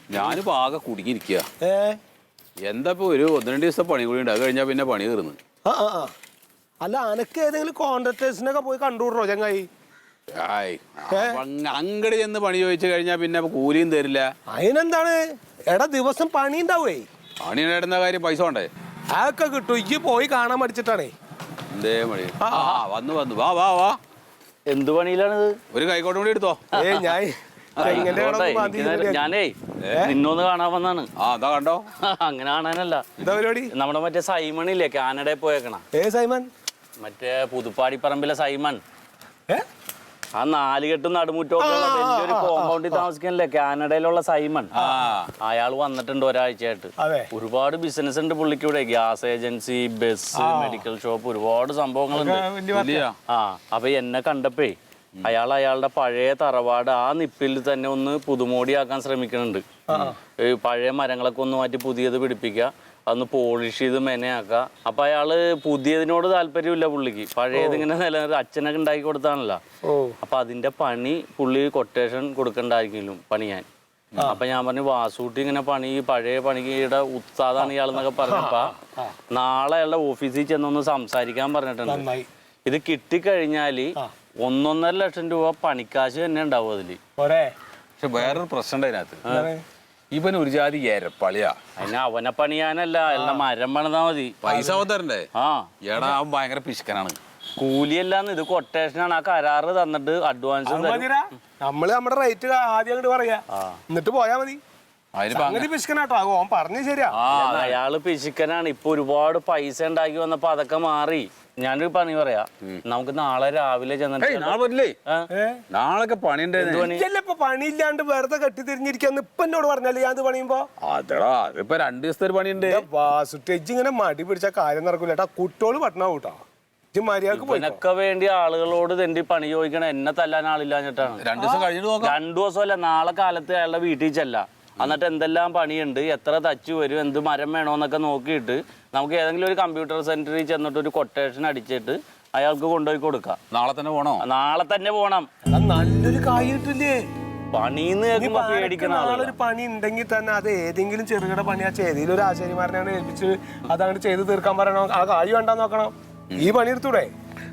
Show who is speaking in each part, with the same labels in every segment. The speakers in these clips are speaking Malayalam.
Speaker 1: ഞാനിപ്പോ ആകെ കുടുങ്ങിയിരിക്കുക. എന്താ ഇപ്പൊ ഒരു 1-2 ദിവസം പണി കൂടി ഉണ്ട്, അത് കഴിഞ്ഞാൽ പിന്നെ പണി തീർന്നു.
Speaker 2: അല്ല അനക്ക് ഏതെങ്കിലും കോൺട്രാക്ടേഴ്സിനൊക്കെ പോയി കണ്ടുവിടറോ ചങ്ങായി?
Speaker 1: അങ്ങട് ചെന്ന് പണി ചോദിച്ചു കഴിഞ്ഞാൽ പിന്നെ കൂലിയും തരില്ല.
Speaker 2: അതിനെന്താണ് എടാ, ദിവസം പണി ഉണ്ടാവേ.
Speaker 1: പണി നേടുന്ന കാര്യം പൈസ വേണ്ടേ?
Speaker 2: അതൊക്കെ കിട്ടും. ഇജ്ജ് പോയി കാണാൻ പഠിച്ചിട്ടാണേ.
Speaker 1: എന്തേ പണി? വന്നു വാ വാ വാ.
Speaker 3: എന്ത് പണിയിലാണിത്?
Speaker 1: ഒരു കൈക്കോട്ടും കൂടി എടുത്തോ.
Speaker 3: ഞാനേ നിന്നൊന്ന് കാണാൻ വന്നാണ്.
Speaker 1: അതാ കണ്ടോ?
Speaker 3: അങ്ങനെ കാണാനല്ല,
Speaker 2: എന്താ പരിപാടി?
Speaker 3: നമ്മുടെ മറ്റേ സൈമൺ ഇല്ലേ, കാനഡയിൽ പോയേക്കണ.
Speaker 2: സൈമൺ?
Speaker 3: മറ്റേ പുതുപ്പാടിപ്പറമ്പിലെ സൈമൺ. ആ 4 കെട്ടും നടുമുറ്റൊക്കെ വലിയൊരു കോമ്പൗണ്ടിൽ താമസിക്കാനല്ലേ, കാനഡയിലുള്ള സൈമൺ. അയാൾ വന്നിട്ടുണ്ട് ഒരാഴ്ചയായിട്ട്. ഒരുപാട് ബിസിനസ് ഉണ്ട് പുള്ളിക്ക് ഇവിടെ. Gas agency, bus, medical shop, ഒരുപാട് സംഭവങ്ങളുണ്ട്. അപ്പൊ എന്നെ കണ്ടപ്പേ അയാളുടെ പഴയ തറവാട് ആ നിപ്പിൽ തന്നെ ഒന്ന് പുതുമോടിയാക്കാൻ ശ്രമിക്കുന്നുണ്ട്. പഴയ മരങ്ങളൊക്കെ ഒന്ന് മാറ്റി പുതിയത് പിടിപ്പിക്കുക, അതൊന്ന് പോളിഷ് ചെയ്ത് മെനയാക്കുക. അപ്പൊ അയാള് പുതിയതിനോട് താല്പര്യമില്ല പുള്ളിക്ക്. പഴയത് ഇങ്ങനെ നിലനിർത്തി അച്ഛനൊക്കെ ഉണ്ടാക്കി കൊടുത്താണല്ലോ. അപ്പൊ അതിന്റെ പണി പുള്ളി കൊട്ടേഷൻ കൊടുക്കണ്ടായിരിക്കും പണിയാൻ. അപ്പൊ ഞാൻ പറഞ്ഞു, വാസൂട്ടി ഇങ്ങനെ പണി, പഴയ പണിയുടെ ഉസ്താദാണ് ഇയാളെന്നൊക്കെ പറഞ്ഞപ്പ നാളെ അയാളുടെ ഓഫീസിൽ ചെന്നൊന്ന് സംസാരിക്കാൻ പറഞ്ഞിട്ടുണ്ട്. ഇത് കിട്ടിക്കഴിഞ്ഞാല് 1.5 ലക്ഷം രൂപ പണിക്കാശ് തന്നെ ഉണ്ടാവും അതില്.
Speaker 1: പക്ഷെ വേറൊരു പ്രശ്നം ഉണ്ട് അതിനകത്ത്. ഇവൻ ഒരു ജാതി ഏരപ്പളിയാ.
Speaker 3: അതിന് അവനെ പണിയാനല്ല, അയാളുടെ മരം പണിതാ മതി.
Speaker 1: പൈസ തരണ്ടേ? ഏടാ അവൻ ഭയങ്കര പിശുക്കനാണ്.
Speaker 3: കൂലിയല്ലാന്ന്, ഇത് കൊട്ടേഷനാണ്. ആ കരാറ് തന്നിട്ട് അഡ്വാൻസ്
Speaker 2: നമ്മള് നമ്മുടെ റേറ്റ് ആദ്യം അങ്ങോട്ട് പറയാ, എന്നിട്ട് പോയാ മതി. പിശുക്കനാട്ടോ ഓൻ പറഞ്ഞു ശരിയാ.
Speaker 3: അയാള് പിശുക്കനാണ്. ഇപ്പൊ ഒരുപാട് പൈസ ഉണ്ടാക്കി വന്നപ്പോ അതൊക്കെ മാറി. ഞാനൊരു പണി പറയാ, നമുക്ക് നാളെ രാവിലെ ചെന്നിട്ട്.
Speaker 1: നാളെ
Speaker 2: പണിയില്ലാണ്ട് വെറുതെ കെട്ടി തിരിഞ്ഞിരിക്കാന്ന് ഇപ്പൊ എന്നോട് പറഞ്ഞാല് ഞാൻ പണിയുമ്പോ
Speaker 1: അതെടാ, അതിപ്പോ 2 ദിവസത്തെ ഒരു പണിയുണ്ട്.
Speaker 2: വാസുട്ടേജ് ഇങ്ങനെ മടി പിടിച്ച കാര്യം നടക്കൂല കേട്ടാ. കുട്ടിയോള് പട്ടണ കൂട്ടാ.
Speaker 3: ഇതിനൊക്കെ വേണ്ടി ആളുകളോട് തെണ്ടി പണി ചോദിക്കണം. എന്നെ തല്ലാൻ ആളില്ലാഞ്ഞിട്ടാണ്.
Speaker 1: 2 ദിവസം കഴിഞ്ഞിട്ട് നോക്കാം.
Speaker 3: 2 ദിവസമല്ല, നാളെ കാലത്ത് അയാളുടെ വീട്ടിൽ ചെല്ല. എന്നിട്ട് എന്തെല്ലാം പണിയുണ്ട്, എത്ര തച്ചു വരും, എന്ത് മരം വേണോന്നൊക്കെ നോക്കിയിട്ട് നമുക്ക് ഏതെങ്കിലും ഒരു കമ്പ്യൂട്ടർ സെന്ററിൽ ചെന്നിട്ട് ഒരു കൊട്ടേഷൻ അടിച്ചിട്ട് അയാൾക്ക് കൊണ്ടുപോയി കൊടുക്കാം.
Speaker 1: നാളെ തന്നെ പോണോ?
Speaker 3: നാളെ തന്നെ പോണം.
Speaker 2: നല്ലൊരു കായ് കിട്ടില്ലേ
Speaker 3: പണിന്ന് കേൾക്കുമ്പോ പേടിക്കണം.
Speaker 2: നാളൊരു പണി ഉണ്ടെങ്കിൽ തന്നെ അത് ഏതെങ്കിലും ചെറുകിട പണിയാ ചെയ്തതിൽ ഒരു ആശാരിമാരനെയാണ് ഏൽപ്പിച്ച് അതങ്ങോട്ട് ചെയ്ത് തീർക്കാൻ പറയണം. ആ കായ് വേണ്ടാന്ന് നോക്കണം. ഈ പണി എടുത്തൂടെ?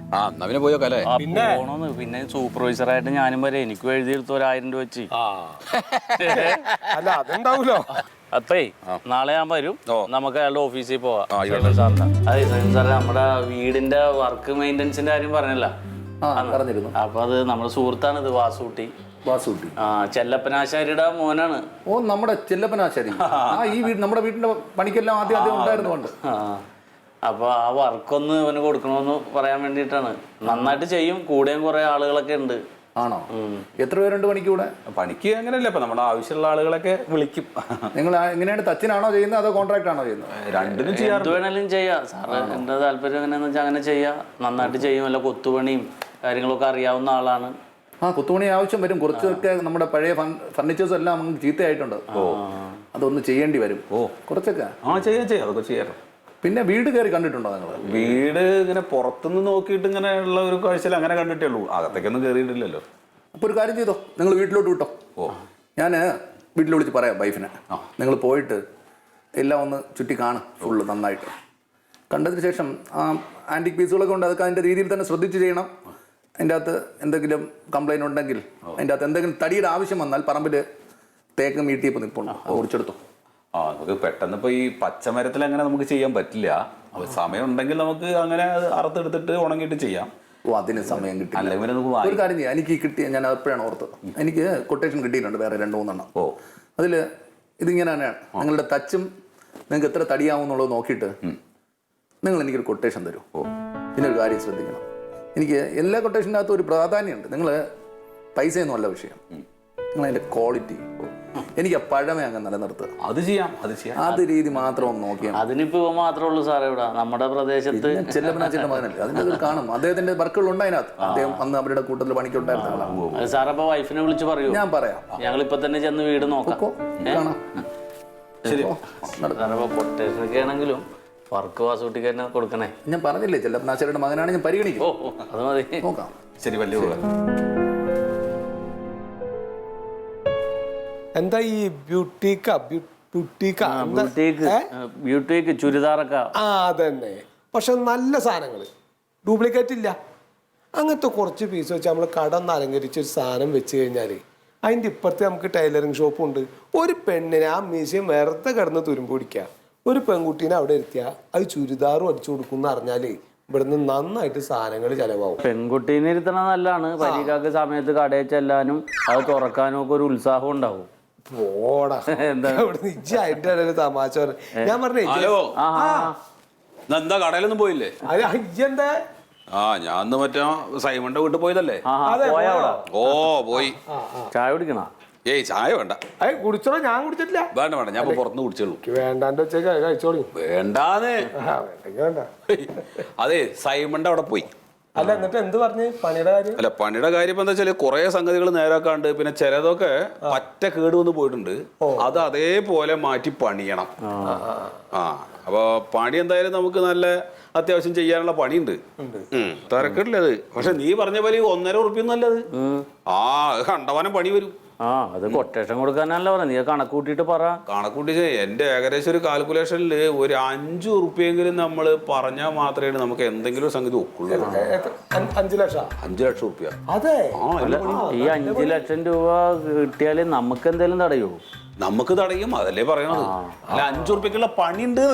Speaker 3: പിന്നെ സൂപ്പർവൈസറായിട്ട് ഞാനും വരെ. എനിക്ക് എഴുതിയെടുത്ത് 1000 രൂപ വെച്ച്.
Speaker 2: അല്ല അതുണ്ടാവൂലോ.
Speaker 3: അപ്പേ നാളെ ഞാൻ വരും, നമുക്ക് അയാളുടെ ഓഫീസിൽ പോവാം. അതെ സാറേ, നമ്മുടെ വീടിന്റെ വർക്ക് മെയിൻ്റെനൻസിന്റെ കാര്യം പറഞ്ഞല്ല. അപ്പൊ അത് നമ്മുടെ സുഹൃത്താണ് ഇത്, വാസൂട്ടി. ചെല്ലപ്പനാശാരിയുടെ മോനാണ്.
Speaker 4: ഓ, നമ്മുടെ ചെല്ലപ്പനാശാരി. നമ്മുടെ വീടിന്റെ പണിക്കെല്ലാം ആദ്യം ഉണ്ടായിരുന്നുണ്ട്.
Speaker 3: അപ്പൊ ആ വർക്കൊന്ന് അവന് കൊടുക്കണമെന്ന് പറയാൻ വേണ്ടിയിട്ടാണ്. നന്നായിട്ട് ചെയ്യും, കൂടെയും കുറെ ആളുകളൊക്കെ ഉണ്ട്.
Speaker 4: ആണോ? എത്ര പേരുണ്ട് പണിക്ക് കൂടെ?
Speaker 1: പണിക്ക് അങ്ങനെയല്ല, ഇപ്പൊ നമ്മുടെ ആവശ്യമുള്ള ആളുകളൊക്കെ വിളിക്കും.
Speaker 4: നിങ്ങൾ എങ്ങനെയാണ്, തച്ചിനാണോ ചെയ്യുന്നത് അതോ കോൺട്രാക്ട് ആണോ ചെയ്യുന്നത്?
Speaker 1: രണ്ടിനും ചെയ്യാം.
Speaker 3: എന്ത് വേണേലും ചെയ്യാം സാറ്. എന്റെ താല്പര്യം എങ്ങനെയാന്ന് വെച്ചാൽ അങ്ങനെ ചെയ്യാം. നന്നായിട്ട് ചെയ്യും. അല്ല കൊത്തുപണിയും കാര്യങ്ങളൊക്കെ അറിയാവുന്ന ആളാണ്.
Speaker 4: കൊത്തുപണി ആവശ്യം വരും. കുറച്ചൊക്കെ നമ്മുടെ പഴയ ഫർണിച്ചേഴ്സ് എല്ലാം നമുക്ക് ചീത്തയായിട്ടുണ്ട്. അതൊന്ന് ചെയ്യേണ്ടി വരും. കുറച്ചൊക്കെ
Speaker 1: ചെയ്യാം, അതൊക്കെ ചെയ്യാറ്.
Speaker 4: പിന്നെ വീട് കയറി കണ്ടിട്ടുണ്ടോ നിങ്ങൾ?
Speaker 1: വീട് ഇങ്ങനെ പുറത്തുനിന്ന് നോക്കിയിട്ട് ഇങ്ങനെ ഉള്ള ഒരു കാഴ്ചയിൽ അങ്ങനെ കണ്ടിട്ടേ ഉള്ളൂ. അകത്തേക്കൊന്നും കയറിയിട്ടില്ലല്ലോ.
Speaker 4: അപ്പോൾ ഒരു കാര്യം ചെയ്തോ, നിങ്ങൾ വീട്ടിലോട്ട് വിട്ടോ. ഞാൻ വീട്ടിൽ വിളിച്ച് പറയാം വൈഫിനെ. നിങ്ങൾ പോയിട്ട് എല്ലാം ഒന്ന് ചുറ്റി കാണും ഫുള്ള് നന്നായിട്ട്. കണ്ടതിന് ശേഷം ആ ആൻറ്റിക് പീസുകളൊക്കെ ഉണ്ട്, അതൊക്കെ അതിൻ്റെ രീതിയിൽ തന്നെ ശ്രദ്ധിച്ച് ചെയ്യണം. അതിൻ്റെ അകത്ത് എന്തെങ്കിലും കംപ്ലൈൻറ്റ് ഉണ്ടെങ്കിൽ, അതിൻ്റെ അകത്ത് എന്തെങ്കിലും തടിയുടെ ആവശ്യം വന്നാൽ പറമ്പിൽ തേക്ക് മീട്ടിയപ്പോൾ നിൽപ്പുണ്ട്, അത് മുറിച്ചെടുത്തോ.
Speaker 1: നമുക്ക് പെട്ടെന്ന് ഇപ്പോൾ ഈ പച്ചമരത്തിൽ അങ്ങനെ നമുക്ക് ചെയ്യാൻ പറ്റില്ല. സമയം ഉണ്ടെങ്കിൽ നമുക്ക് അങ്ങനെ അറുത്തെടുത്തിട്ട് ഉണങ്ങിയിട്ട് ചെയ്യാം.
Speaker 4: അതിന് സമയം കിട്ടില്ല. ഒരു കാര്യം ചെയ്യാം, എനിക്ക് കിട്ടിയ, ഞാൻ അപ്പോഴാണ് ഓർത്തത്, എനിക്ക് കൊട്ടേഷൻ കിട്ടിയിട്ടുണ്ട് വേറെ 2-3 എണ്ണം. അതിൽ ഇതിങ്ങനെ തന്നെയാണ്. നിങ്ങളുടെ തച്ചും നിങ്ങൾക്ക് എത്ര തടിയാവും എന്നുള്ളത് നോക്കിയിട്ട് നിങ്ങൾ എനിക്കൊരു കൊട്ടേഷൻ തരും. പിന്നെ ഒരു കാര്യം ശ്രദ്ധിക്കണം, എനിക്ക് എല്ലാ കൊട്ടേഷൻ്റെ അകത്തും ഒരു പ്രാധാന്യമുണ്ട്. നിങ്ങൾ പൈസയൊന്നും അല്ല വിഷയം, നിങ്ങൾ അതിൻ്റെ ക്വാളിറ്റി. എനിക്ക് ആ പഴമേ അങ്ങ് നിലനിർത്തുക.
Speaker 1: അത് ചെയ്യാം.
Speaker 4: അത് രീതി മാത്രം ഒന്ന് നോക്കിയാൽ.
Speaker 3: അതിനിപ്പോ മാത്രമേ ഉള്ളൂ സാറേ ഇവിടെ നമ്മുടെ പ്രദേശത്ത്.
Speaker 4: ചെല്ലപ്പനാച്ചിന്റെ മകനല്ലേ, അതിന്റെ കാണും. അദ്ദേഹത്തിന്റെ വർക്കുകളുണ്ട് അതിനകത്ത്. അദ്ദേഹം അന്ന് അവരുടെ കൂട്ടത്തിൽ പണിക്കുണ്ടായിരുന്ന.
Speaker 3: സാർ അപ്പൊ വൈഫിനെ വിളിച്ച് പറയൂ.
Speaker 4: ഞാൻ പറയാം.
Speaker 3: ഞങ്ങൾ ഇപ്പൊ തന്നെ ചെന്ന് വീട് നോക്കാം. പൊട്ടേഷനൊക്കെ ആണെങ്കിലും വർക്ക് വാസൂട്ടിക്ക് തന്നെ കൊടുക്കണേ.
Speaker 4: ഞാൻ പറഞ്ഞില്ലേ, ചെല്ലപ്പനാച്ചിയുടെ മകനാണ്, ഞാൻ പരിഗണിക്കും.
Speaker 3: അത് മതി,
Speaker 4: നോക്കാം.
Speaker 1: ശരി, വലിയ
Speaker 2: എന്താ ഈ
Speaker 3: ബ്യൂട്ടിക്ക് ചുരിദാറൊക്കെ
Speaker 2: അതന്നെ. പക്ഷെ നല്ല സാധനങ്ങൾ, ഡ്യൂപ്ലിക്കേറ്റ് ഇല്ല. അങ്ങനത്തെ കുറച്ച് പീസ് വെച്ച് നമ്മൾ കട ഒന്ന് അലങ്കരിച്ച് ഒരു സാധനം വെച്ച് കഴിഞ്ഞാൽ അതിൻ്റെ ഇപ്പുറത്ത് നമുക്ക് ടൈലറിങ് ഷോപ്പുണ്ട്. ഒരു പെണ്ണിനെ ആ മ്യൂസിയം വെറുതെ കിടന്ന് തുരുമ്പ് പിടിക്കുക, ഒരു പെൺകുട്ടീനെ അവിടെ ഇരുത്തിയാൽ അത് ചുരിദാറും അടിച്ചു കൊടുക്കും എന്ന് പറഞ്ഞാൽ ഇവിടുന്ന് നന്നായിട്ട് സാധനങ്ങൾ ചെലവാകും.
Speaker 3: പെൺകുട്ടീനെ ഇരുത്തണ നല്ലതാണ്. പരീക്ഷക്ക് സമയത്ത് കടയിൽ ചെല്ലാനും അത് തുറക്കാനും ഒക്കെ ഒരു ഉത്സാഹം ഉണ്ടാവും.
Speaker 2: പോടാ അതിന്റെ ഇടയിൽ തമാശ ഞാൻ പറഞ്ഞേ.
Speaker 1: എന്താ കടയിലൊന്നും പോയില്ലേ?
Speaker 2: എന്താ
Speaker 1: ഞാൻ മറ്റേ സൈമന്റെ വീട്ടിൽ പോയതല്ലേ? ഓ പോയി.
Speaker 3: ചായ കുടിക്കണ?
Speaker 1: ഏയ് ചായ വേണ്ട.
Speaker 2: കുടിച്ചോളൂ. ഞാൻ കുടിച്ചിട്ടില്ല.
Speaker 1: വേണ്ട വേണ്ട, ഞാൻ പുറത്തുനിന്ന് കുടിച്ചോളൂ.
Speaker 2: വേണ്ടാണ്ട് വെച്ചേക്ക് കഴിച്ചോളൂ.
Speaker 1: വേണ്ടാന്ന്. അതെ സൈമന്റെ അവിടെ പോയി.
Speaker 2: അല്ല എന്നിട്ട് എന്ത് പറഞ്ഞു പണിയുടെ കാര്യം?
Speaker 1: അല്ല പണിയുടെ കാര്യം എന്താ വെച്ചാല് കുറെ സംഗതികൾ നേരാക്കാണ്ട്, പിന്നെ ചിലതൊക്കെ പറ്റ കേടുവന്ന് പോയിട്ടുണ്ട്. അത് അതേപോലെ മാറ്റി പണിയണം. അപ്പൊ പണി എന്തായാലും നമുക്ക് നല്ല അത്യാവശ്യം ചെയ്യാനുള്ള പണിയുണ്ട്. തിരക്കില്ലത്. പക്ഷെ നീ പറഞ്ഞ പോലെ 1.5 ഉറുപ്പിയൊന്നും അല്ലത്. കണ്ടവാനം പണി വരും.
Speaker 3: അത് കൊട്ടേഷൻ കൊടുക്കാനല്ല പറഞ്ഞ, നീ കണക്ക് കൂട്ടിട്ട് പറ.
Speaker 1: കണക്കൂട്ടി എന്റെ ഏകദേശം ഒരു കാൽക്കുലേഷനിൽ ഒരു 5 ഉറുപ്പിയെങ്കിലും നമ്മൾ പറഞ്ഞാൽ മാത്രമേ നമുക്ക് എന്തെങ്കിലും ഒരു സംഗതി ഒക്കുള്ളൂ.
Speaker 2: 5 ലക്ഷം?
Speaker 1: 5 ലക്ഷം ഉറുപ്പ്യ.
Speaker 2: അതെ.
Speaker 3: ഈ 5 ലക്ഷം രൂപ കിട്ടിയാല് നമുക്ക് എന്തെങ്കിലും തടയോ?
Speaker 1: നമുക്ക് തടയും, അതല്ലേ പറയണത്. അല്ല 5 ഉറുപ്പ്യക്കുള്ള പണിയുണ്ട്.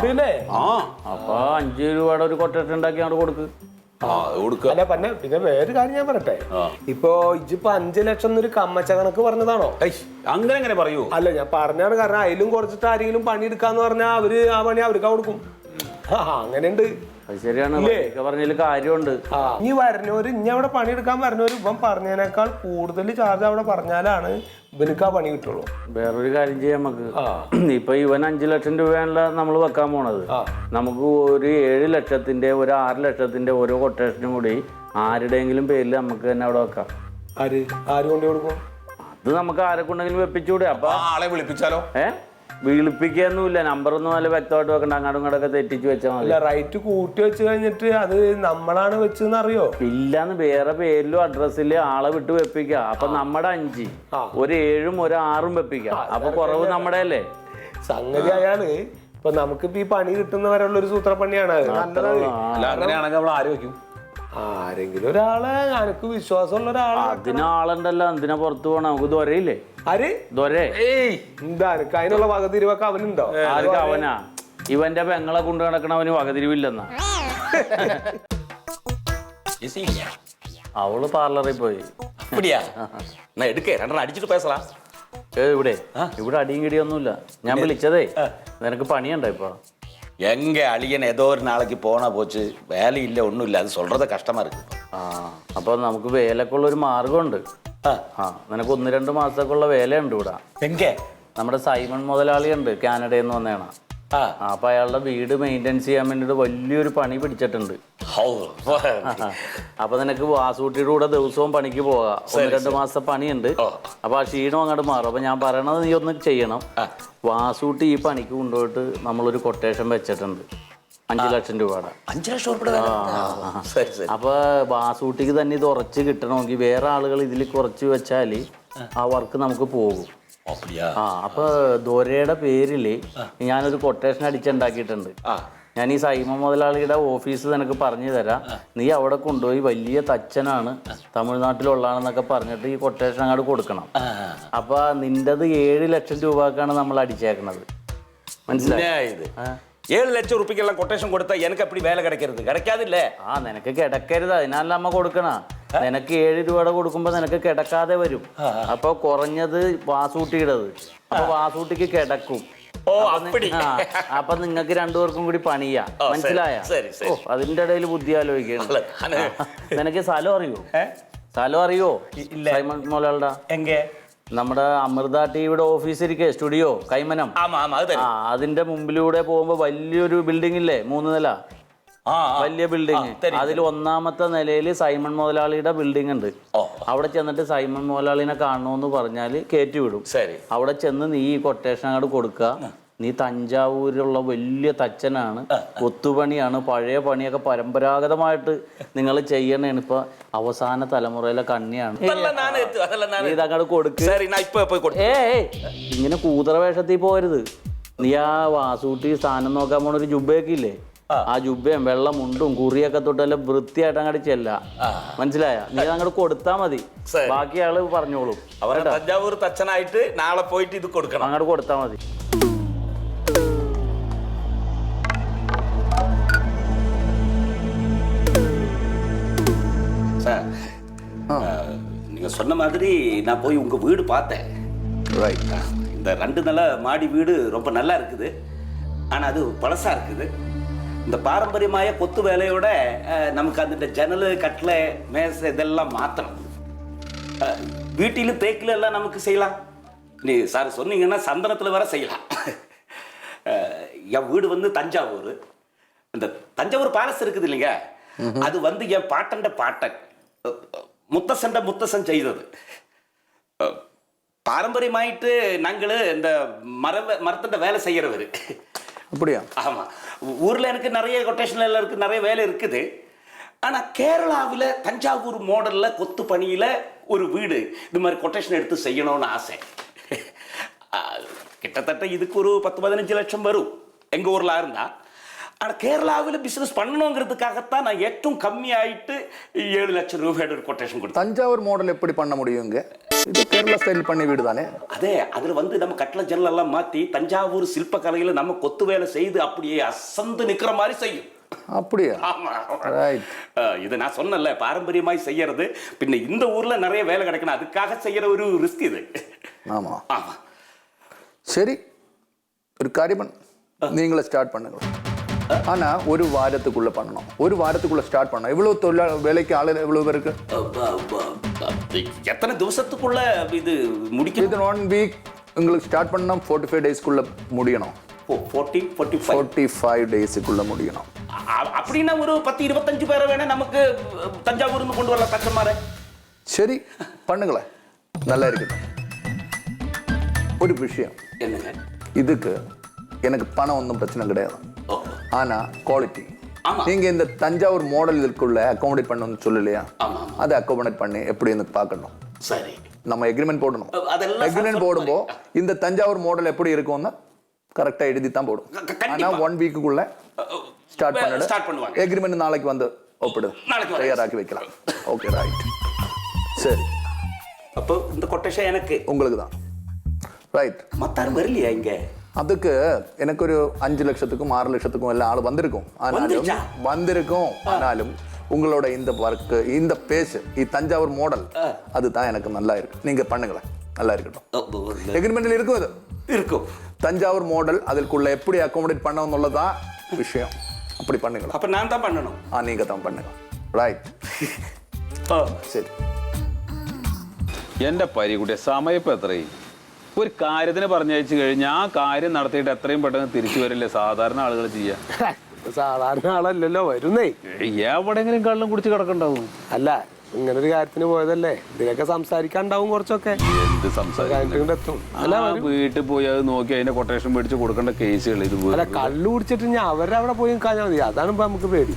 Speaker 3: അപ്പൊ 5 രൂപയുടെ ഒരു കൊട്ടേഷൻ ഉണ്ടാക്കി അങ്ങോട്ട് കൊടുക്ക്.
Speaker 2: അല്ല പിന്നെ വേറൊരു കാര്യം ഞാൻ പറയട്ടെ. ഇപ്പൊ ഇജിപ്പോ 5 ലക്ഷം എന്നൊരു കമ്മച്ച കണക്ക് പറഞ്ഞതാണോ?
Speaker 1: അങ്ങനെ പറയൂ.
Speaker 2: അല്ല ഞാൻ പറഞ്ഞാണ്. കാരണം അതിലും കുറച്ചിട്ട് ആരെങ്കിലും പണി എടുക്കാന്ന് പറഞ്ഞാൽ അവര് ആ പണി അവർക്ക് കൊടുക്കും. അങ്ങനെയുണ്ട്.
Speaker 3: ശരിയാണ്, പറഞ്ഞതിൽ കാര്യമുണ്ട്.
Speaker 2: ഇനി വരണവര് ഇനി അവിടെ പണിയെടുക്കാൻ വരണവര് ഇവൻ പറഞ്ഞതിനേക്കാൾ കൂടുതൽ ചാർജ് അവിടെ പറഞ്ഞാലാണ് ഇവനക്ക് ആ പണി കിട്ടുള്ളൂ.
Speaker 3: വേറൊരു കാര്യം ചെയ്യാം നമുക്ക്. ഇപ്പൊ ഇവൻ 5 ലക്ഷം രൂപയാണല്ലോ നമ്മൾ വെക്കാൻ പോണത്. നമുക്ക് ഒരു 7 ലക്ഷത്തിന്റെ ഒരു 6 ലക്ഷത്തിന്റെ ഓരോ കൊട്ടേഷനും കൂടി ആരുടെയെങ്കിലും പേരിൽ നമുക്ക് തന്നെ അവിടെ വെക്കാം.
Speaker 2: ആര് കൊണ്ടു കൊടുക്കും?
Speaker 3: അത് നമുക്ക് ആരെ കൊണ്ടെങ്കിലും വെപ്പിച്ചൂടെ? അപ്പൊ
Speaker 1: ആളെ വിളിപ്പിച്ചാലോ?
Speaker 3: വിളിപ്പിക്കൊന്നുമില്ല, നമ്പറൊന്നും നല്ല വ്യക്തമായിട്ട് വെക്കണ്ട. അങ്ങോട്ടും ഇങ്ങോട്ടൊക്കെ തെറ്റിച്ച് വെച്ചാൽ മതി.
Speaker 2: റൈറ്റ് കൂട്ടി വെച്ച് കഴിഞ്ഞിട്ട് അത് നമ്മളാണ് വെച്ചെന്ന് അറിയോ?
Speaker 3: ഇല്ലാന്ന് വേറെ പേരിലും അഡ്രസ്സില് ആളെ വിട്ട് വെപ്പിക്കാം. അപ്പൊ നമ്മുടെ 5 ഒരു 7ഉം ഒരു 6ഉം വെപ്പിക്കാം. അപ്പൊ കുറവ് നമ്മുടെ അല്ലേ?
Speaker 2: സംഗതി അയാള് ഇപ്പൊ നമുക്കിപ്പോ ഈ പണി കിട്ടുന്നവരുള്ള ഒരു സൂത്രപ്പണിയാണ്.
Speaker 1: അങ്ങനെയാണെങ്കിൽ നമ്മൾ ആര് വെക്കും?
Speaker 2: ആരെങ്കിലും ഒരാളെ, എനിക്ക് വിശ്വാസമുള്ള ഒരാളെ.
Speaker 3: അതിനാളുണ്ടല്ലോ. എന്തിനാ പുറത്തു പോണ? നമുക്ക് ദൊരയില്ലേ?
Speaker 2: എന്താ അതിനുള്ള വകതിരിവൊക്കെ അവനുണ്ടോ?
Speaker 3: ആർക്ക് അവനാ? ഇവന്റെ പെങ്ങളെ കൊണ്ട് നടക്കണവന് വകതിരിവില്ലെന്നാ. അവള് പാർലറിൽ പോയി. ഇവിടെ അടിയും കിടിയൊന്നുമില്ല. ഞാൻ വിളിച്ചതേ നിനക്ക് പണിയുണ്ടോ ഇപ്പൊ?
Speaker 5: எங்க அழியன் ஏதோ ஒரு நாளைக்கு போனா போச்சு, வேலை இல்லை ஒன்றும் இல்லை, அது சொல்றத கஷ்டமா இருக்கு.
Speaker 3: അപ്പൊ നമുക്ക് വേലക്കുള്ള ഒരു മാർഗമുണ്ട്. നിനക്ക് 1-2 മാസത്തേക്കുള്ള വേലയുണ്ട് ഇവിടെ. നമ്മുടെ സൈമൺ മുതലാളി ഉണ്ട്, കാനഡയിൽ നിന്ന് വന്നേണ. അപ്പൊ അയാളുടെ വീട് മെയിൻറ്റെയിൻസ് ചെയ്യാൻ വേണ്ടിട്ട് വലിയൊരു പണി പിടിച്ചിട്ടുണ്ട്. അപ്പൊ നിനക്ക് വാസൂട്ടിയുടെ കൂടെ ദിവസവും പണിക്ക് പോകാം. 1-2 മാസത്തെ പണിയുണ്ട്. അപ്പൊ ആ ക്ഷീണം അങ്ങോട്ട് മാറും. അപ്പൊ ഞാൻ പറയണത് നീ ഒന്ന് ചെയ്യണം. വാസൂട്ടി ഈ പണിക്ക് കൊണ്ടുപോയിട്ട് നമ്മളൊരു കൊട്ടേഷൻ വെച്ചിട്ടുണ്ട് 5 ലക്ഷം രൂപയുടെ.
Speaker 5: 5 ലക്ഷം രൂപ?
Speaker 3: അപ്പൊ വാസൂട്ടിക്ക് തന്നെ ഇത് ഉറച്ച് കിട്ടണമെങ്കിൽ വേറെ ആളുകൾ ഇതിൽ കുറച്ച് വെച്ചാല് ആ വർക്ക് നമുക്ക് പോകും. അപ്പൊ ദോരയുടെ പേരില് ഞാനൊരു കൊട്ടേഷൻ അടിച്ചുണ്ടാക്കിയിട്ടുണ്ട്. ഞാൻ ഈ സൈമൺ മുതലാളിയുടെ ഓഫീസ് നിനക്ക് പറഞ്ഞു തരാം. നീ അവിടെ കൊണ്ടുപോയി വലിയ തച്ചനാണ്, തമിഴ്നാട്ടിലുള്ളതാണെന്നൊക്കെ പറഞ്ഞിട്ട് ഈ കൊട്ടേഷൻ അങ്ങോട്ട് കൊടുക്കണം. അപ്പൊ നിന്റത് 7 ലക്ഷം രൂപക്കാണ് നമ്മൾ അടിച്ചേക്കണത്. മനസ്സിലായത്?
Speaker 5: 7 ലക്ഷം റുപ്യക്കെല്ലാം കൊട്ടേഷൻ കൊടുത്താൽ എനിക്ക് അപ്പടി വേല കിടക്കരുത്? കിടക്കാതില്ലേ?
Speaker 3: നിനക്ക് കിടക്കരുത്, അതിനല്ല അമ്മ കൊടുക്കണ. നിനക്ക് 7 രൂപയുടെ കൊടുക്കുമ്പോ നിനക്ക് കിടക്കാതെ വരും. അപ്പൊ കുറഞ്ഞത് വാസൂട്ടിയുടേത്. അപ്പൊ വാസൂട്ടിക്ക് കിടക്കും. അപ്പൊ നിങ്ങൾക്ക് 2 പേർക്കും കൂടി പണിയാ. മനസ്സിലായ? അതിന്റെ ഇടയിൽ ബുദ്ധി ആലോചിക്കണം. നിനക്ക് സ്ഥലം അറിയോ? സ്ഥലം അറിയോ സൈമൺ മുതലാളിയുടെ? നമ്മുടെ അമൃത ടിവിയുടെ ഓഫീസ് ഇരിക്കേ, സ്റ്റുഡിയോ കൈമനം. അതിന്റെ മുമ്പിലൂടെ പോകുമ്പോ വലിയൊരു ബിൽഡിംഗ് ഇല്ലേ, 3 നില വലിയ ബിൽഡിംഗ്. അതിൽ 1ാമത്തെ നിലയിൽ സൈമൺ മുതലാളിയുടെ ബിൽഡിംഗ് ഉണ്ട്. അവിടെ ചെന്നിട്ട് സൈമൺ മുതലാളിനെ കാണണമെന്ന് പറഞ്ഞാല് കയറ്റി വിടും. അവിടെ ചെന്ന് നീ ഈ കൊട്ടേഷൻ അങ്ങോട്ട് കൊടുക്കുക. നീ തഞ്ചാവൂരിലുള്ള വലിയ തച്ചനാണ്, കൊത്തുപണിയാണ്, പഴയ പണിയൊക്കെ പരമ്പരാഗതമായിട്ട് നിങ്ങൾ ചെയ്യണേണ്. ഇപ്പൊ അവസാന തലമുറയിലെ കണ്ണിയാണ്. നീ ഇതങ്ങോട്ട് കൊടുക്ക്. ഇങ്ങനെ കൂതറ വേഷത്തിൽ പോരുത്. നീ ആ വാസൂട്ടി സ്ഥാനം നോക്കാൻ പോണ ഒരു ജുബയൊക്കെ ഇല്ലേ, ആ ജുബയും വെള്ളം മുണ്ടും കുറിയൊക്കെ തൊട്ടെല്ലാം വൃത്തിയായിട്ട് അങ്ങോട്ട് ചെല്ല. മനസ്സിലായ? നീ അങ്ങോട്ട് കൊടുത്താ മതി, ബാക്കി ആള് പറഞ്ഞോളും.
Speaker 5: തഞ്ചാവൂർ തച്ചനായിട്ട് നാളെ പോയിട്ട് ഇത് കൊടുക്കണം.
Speaker 3: അങ്ങോട്ട് കൊടുത്താ മതി.
Speaker 5: சார் நீங்க சொன்ன மாதிரி நான் போய் உங்க வீடு பார்த்தேன்.
Speaker 4: ரைட்.
Speaker 5: இந்த 2 நில மாடி வீடு ரொம்ப நல்லா இருக்குது. ஆனா அது பழசா இருக்குது. இந்த பாரம்பரியമായ கொத்து வேலையோட நமக்கு அந்த ஜன்னல் கட்டில மேசை இதெல்லாம் மாற்றணும். வீட்டிலும் தேக்கில எல்லாம் நமக்கு செய்யலாம். நீ சார் சொன்னீங்கன்னா சந்தனத்தில் வர செய்யலாம். என் வீடு வந்து தஞ்சாவூர். இந்த தஞ்சாவூர் பேலஸ் இருக்குது இல்லைங்க, அது வந்து என் பாட்டன் முத்தசன் செய்தது. பாரம்பரியமாயிட்டு நாங்கள் இந்த மரத்திட்ட வேலை செய்யறவர்.
Speaker 4: அப்படியா?
Speaker 5: ஆமா. ஊர்ல எனக்கு நிறைய கொட்டேஷன் எல்லாம் இருக்கு, நிறைய வேலை இருக்குது. ஆனா கேரளாவில் தஞ்சாவூர் மாடல்ல கொத்து பணியில ஒரு வீடு இது மாதிரி கொட்டேஷன் எடுத்து செய்யணும்னு ஆசை. கிட்டத்தட்ட இதுக்கு ஒரு 10-15 லட்சம் வரும் எங்க ஊர்ல இருந்தா. ஆனால் கேரளாவில் பிஸ்னஸ் பண்ணணுங்கிறதுக்காகத்தான் நான் ഏറ്റവും கம்மியாயிட்டு 7 லட்சம் ரூபாயோட ஒரு கொட்டேஷன் கொடுத்தேன்.
Speaker 4: தஞ்சாவூர் மாடல் எப்படி பண்ண முடியுங்க? இது கேரளா ஸ்டைல் பண்ணி வீடு தானே.
Speaker 5: அதே அதில் வந்து நம்ம கட்டளை ஜன்னல் எல்லாம் மாற்றி தஞ்சாவூர் சிற்பக்கலையில் நம்ம கொத்து வேலை செய்து அப்படியே அசந்து நிற்கிற மாதிரி செய்யும்.
Speaker 4: அப்படியா?
Speaker 5: ஆமா.
Speaker 4: ரைட்.
Speaker 5: இது நான் சொன்னல பாரம்பரியமாய் செய்யறது. பின்ன இந்த ஊர்ல நிறைய வேலை கிடைக்கணும், அதுக்காக செய்யற ஒரு ரிஸ்க் இது.
Speaker 4: ஆமா
Speaker 5: ஆமா.
Speaker 4: சரி, ஒரு காரியம் நீங்களே ஸ்டார்ட் பண்ணுங்க. ஆனா ஒரு வாரத்துக்குள்ள பண்ணணும். ஒரு வாரத்துக்குள்ள ஸ்டார்ட் பண்ணணும். இவ்வளவு தொழிலாளி வேலைக்கு ஆளு எவ்வளவு பேருக்கு?
Speaker 5: எத்தனை திவசத்துக்குள்ள இது முடிக்கும்?
Speaker 4: இது 1 வீக் உங்களுக்கு ஸ்டார்ட் பண்ணா 45 டேஸ்க்குள்ள முடியணும். 45 டேஸ்க்குள்ள முடியணும்.
Speaker 5: அப்படின்னா ஒரு 10-25 பேரை வேணா நமக்கு தஞ்சாவூர்னு கொண்டு வரலாம் கஸ்டமரை.
Speaker 4: சரி பண்ணுங்களே, நல்லா இருக்கட்டும். ஒரு விஷயம்
Speaker 5: என்னங்க,
Speaker 4: இதுக்கு எனக்கு பணம் ஒன்றும் பிரச்சனை கிடையாது. ஆனா குவாலிட்டி நீங்க இந்த தஞ்சாவூர் மாடல் இதுக்குள்ள அகாமடேட் பண்ணணும்னு சொல்லலையா? அதை அகாமடேட் பண்ணி எப்படின்னு பார்க்கணும்.
Speaker 5: சரி,
Speaker 4: நம்ம எக்ரிமெண்ட் போடணும். எக்ரிமெண்ட் போடும்போ இந்த தஞ்சாவூர் மாடல் எப்படி இருக்கும்னு கரெக்டா எழுதி தான் போடும். ஆனா 1 வீக்குக்குள்ள ஸ்டார்ட் பண்ணுவாங்க. எக்ரிமெண்ட் நாளைக்கு வந்து ஒப்பிடு, தயாராக்கி வைக்கலாம். Okay, right. சரி,
Speaker 5: அப்போ இந்த கொட்டேஷன் எனக்கு
Speaker 4: உங்களுக்கு தான். ரைட்.
Speaker 5: மத்தாரும் வரலையா இங்க?
Speaker 4: அதுக்கு எனக்கு ஒரு 5 லட்சத்துக்கும் 6 லட்சத்துக்கும் எல்லாம் ஆள் வந்திருக்கும். ஆனாலும் உங்களோட இந்த ஒர்க், இந்த பேஸ், தஞ்சாவூர் மாடல் அதுதான் எனக்கு நல்லா இருக்கு. நீங்க பண்ணுங்களேன், நல்லா இருக்கட்டும். எக்ரிமெண்ட்ல இருக்கும், அது
Speaker 5: இருக்கும்.
Speaker 4: தஞ்சாவூர் மாடல் அதுக்குள்ள எப்படி அகாமடேட் பண்ணணும்னுள்ளதான் விஷயம். அப்படி பண்ணுங்களா?
Speaker 5: அப்ப நான் தான் பண்ணணும்.
Speaker 4: நீங்க தான் பண்ணுங்க. ரைட். ശരി.
Speaker 1: എൻ്റെ പരികുട്ടിയെ സമയം ഇപ്പം എത്രയും ഒരു കാര്യത്തിന് പറഞ്ഞയച്ചു കഴിഞ്ഞാൽ ആ കാര്യം നടത്തിയിട്ട് എത്രയും പെട്ടെന്ന് തിരിച്ചു വരില്ലേ സാധാരണ ആളുകൾ ചെയ്യാൻ?
Speaker 2: സാധാരണ ആളല്ലല്ലോ വരുന്നേ.
Speaker 1: എവിടെങ്കിലും കള്ളും കുടിച്ച് കിടക്കണ്ടാവും.
Speaker 2: അല്ല, ഇങ്ങനെ ഒരു കാര്യത്തിന് പോയതല്ലേ, ഇതിനൊക്കെ സംസാരിക്കാണ്ടാവും കുറച്ചൊക്കെ.
Speaker 1: എന്ത് സംസാരിക്കും? വീട്ടിൽ പോയി അത് നോക്കി അതിന്റെ കൊട്ടേഷൻ മേടിച്ച് കൊടുക്കേണ്ട കേസുകൾ ഇത്.
Speaker 2: അല്ല, കള്ളു കുടിച്ചിട്ട് ഞാൻ അവരുടെ അവിടെ പോയി കാഞ്ഞാൽ മതി. അതാണ് ഇപ്പൊ നമുക്ക് പേടി.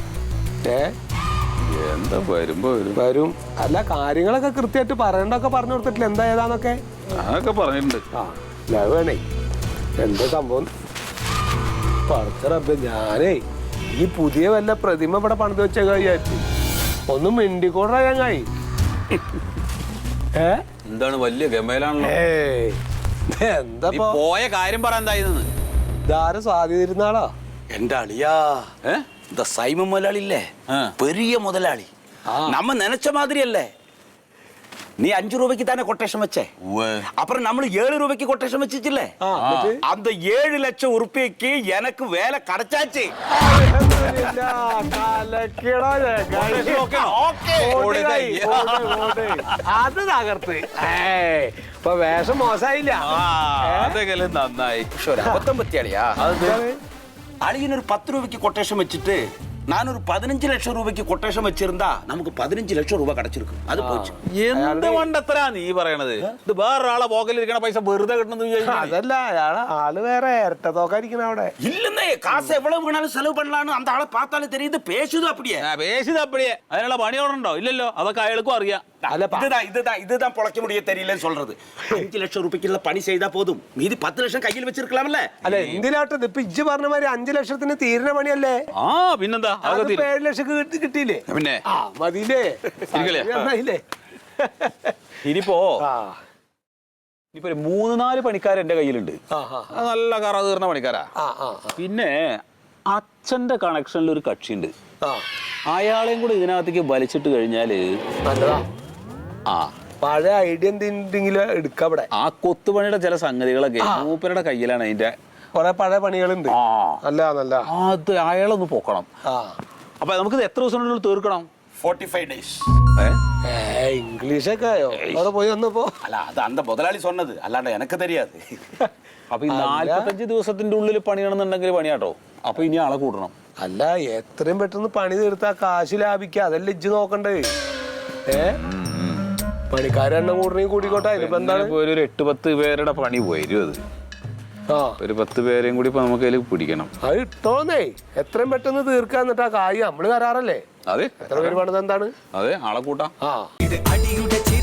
Speaker 1: എന്താ വരുമ്പോ
Speaker 2: വരും. അല്ല, കാര്യങ്ങളൊക്കെ കൃത്യമായിട്ട് പറയണ്ടൊക്കെ പറഞ്ഞു കൊടുത്തിട്ടില്ല, എന്താ ഏതാന്നൊക്കെ
Speaker 1: അതൊക്കെ പറഞ്ഞിട്ടുണ്ട്.
Speaker 2: വേണേ എന്താ സംഭവം പറച്ചറബ്. ഞാനേ ഈ പുതിയ വല്ല പ്രതിമ ഇവിടെ പണിത് വെച്ച കഴിയാറ്റി ഒന്നും മിണ്ടിക്കൂടാ ചങ്ങായി.
Speaker 1: എന്താണ് വലിയ ഗമയിലാണല്ലോ.
Speaker 2: എന്താ
Speaker 1: പോയ കാര്യം പറയാൻ എന്തായിരുന്നു?
Speaker 2: ഇതാരെ സ്വാധീനിരുന്നാളോ?
Speaker 5: എന്റെ അളിയാ, இந்த சைம முதலாளி இல்ல, பெரிய முதலாளி. நம்ம நினைச்ச மாதிரி அல்ல. நீ 5 ரூபாய்க்கு தானே கொட்டேஷன் வச்ச, அப்புறம் நம்ம 7 ரூபாய்க்கு கொட்டேஷன் வச்சிச்சுல்ல, அந்த 7 லட்சம் ரூபாய்க்கு எனக்கு வேலை கிடைச்சாச்சு.
Speaker 2: അത് തകർത്ത്. ഇപ്പൊ വേഷം മോശമായില്ല.
Speaker 1: അതെങ്കിലും നന്നായി.
Speaker 5: പക്ഷെ ഒരു അബദ്ധം പറ്റിയാളിയാ. അളിയനൊരു 10 രൂപയ്ക്ക് കൊട്ടേഷൻ വെച്ചിട്ട് நான் ஒரு 15 லட்சம் ரூபாய்க்கு கொட்டேஷன் வச்சிருந்தா நமக்கு 15 ലക്ഷം രൂപ கிடைச்சிருக்கும் അത് போச்சு
Speaker 1: എന്ത് മണ്ടത്തരാ നീ പറയണത്? ഇത് വേറൊരാളെ പോക്കലിരിക്കണ പൈസ വെറുതെ കിട്ടുന്നത്
Speaker 2: അതല്ല ആള് വേറെ ഇരട്ട തോക്കായിരിക്കണ അവിടെ.
Speaker 5: இல்லன்னே காசு எவ்வளவு வேணாலும் செலவு பண்ணலாம்னு அந்த ஆளை பார்த்தாலே தெரியுது பேசுது அப்படியே
Speaker 1: പേശിത് അപ്പടിയെ അതിനുള്ള പണിയോടുണ്ടോ? ഇല്ലല്ലോ, അതൊക്കെ അയാൾക്കും അറിയാം.
Speaker 5: இதுதான் பொழைக்க முடிய தெரியலன்னு சொல்றது. 5 ലക്ഷം രൂപയ്ക്കുള്ള പണി ചെയ്താ പോതും, மீதி 10 ലക്ഷം കയ്യിൽ വെച്ചിരിക്കലാമല്ലേ?
Speaker 2: അല്ല എന്തിനാട്ടത് ഇപ്പൊ ഇജ്ജ് പറഞ്ഞ മാതിരി 5 ലക്ഷത്തിന് തീരുന്ന പണിയല്ലേ?
Speaker 1: ആ പിന്നെന്താ,
Speaker 2: 7 ലക്ഷം കിട്ടിയില്ലേ?
Speaker 1: പിന്നെ
Speaker 2: മതിയില്ലേ? നന്നായില്ലേ?
Speaker 1: ഇനിയിപ്പോ ഇനിയിപ്പോ 3-4 പണിക്കാർ എന്റെ കയ്യിലുണ്ട്. അത് നല്ല കറ തീർന്ന പണിക്കാരാ. പിന്നെ അച്ഛന്റെ കണക്ഷനിൽ ഒരു കക്ഷിയുണ്ട്. അയാളെയും കൂടെ ഇതിനകത്തേക്ക് വലിച്ചിട്ട് കഴിഞ്ഞാല്
Speaker 2: നല്ലതാ.
Speaker 1: ആ
Speaker 2: പഴയ ഐഡിയ എന്തെങ്കിലും എടുക്കാം ഇവിടെ.
Speaker 1: ആ കൊത്തുപണിയുടെ ചില സംഗതികളൊക്കെ മൂപ്പരുടെ കയ്യിലാണ്. അതിന്റെ
Speaker 2: കൊറേ പഴയ പണികളുണ്ട്. നല്ല
Speaker 1: അത് അയാളൊന്ന് പൊക്കണം. അപ്പൊ നമുക്കിത് എത്ര ദിവസത്തിനുള്ളിൽ തീർക്കണം?
Speaker 5: 45 days.
Speaker 2: ഇംഗ്ലീഷൊക്കെ ആയോ അവിടെ പോയി വന്നപ്പോ?
Speaker 5: അല്ല അത് അന്ത മുതലാളി சொன்னது അല്ലാണ്ട് എനിക്ക് தெரியாது.
Speaker 1: അപ്പൊ ഈ 45 ദിവസത്തിന്റെ ഉള്ളിൽ പണിയണമെന്നുണ്ടെങ്കിൽ പണിയാട്ടോ. അപ്പൊ ഇനി ആളെ കൂട്ടണം.
Speaker 2: അല്ല എത്രയും പെട്ടെന്ന് പണി തീർത്താ കാശ് ലാഭിക്ക, അതല്ല ഇജ്ജ് നോക്കണ്ടേ? പണിക്കാരെണ്ണം കൂടണെങ്കിൽ കൂടിക്കോട്ടെ. അതിനിപ്പോ എന്താണ്?
Speaker 1: ഒരു 8-10 പേരുടെ പണി പോയി. ഒരു 10 പേരെയും കൂടി ഇപ്പൊ നമുക്ക് അതിൽ പിടിക്കണം.
Speaker 2: അത് ഇട്ടോന്നേ എത്രയും പെട്ടെന്ന് തീർക്കാൻ. എന്നിട്ട് ആ കായ് നമ്മള് തരാറല്ലേ?
Speaker 1: അതെ,
Speaker 2: എത്ര പേര് പണിത് എന്താണ്?
Speaker 1: അതെ, ആളെ കൂട്ടാം.
Speaker 2: ആ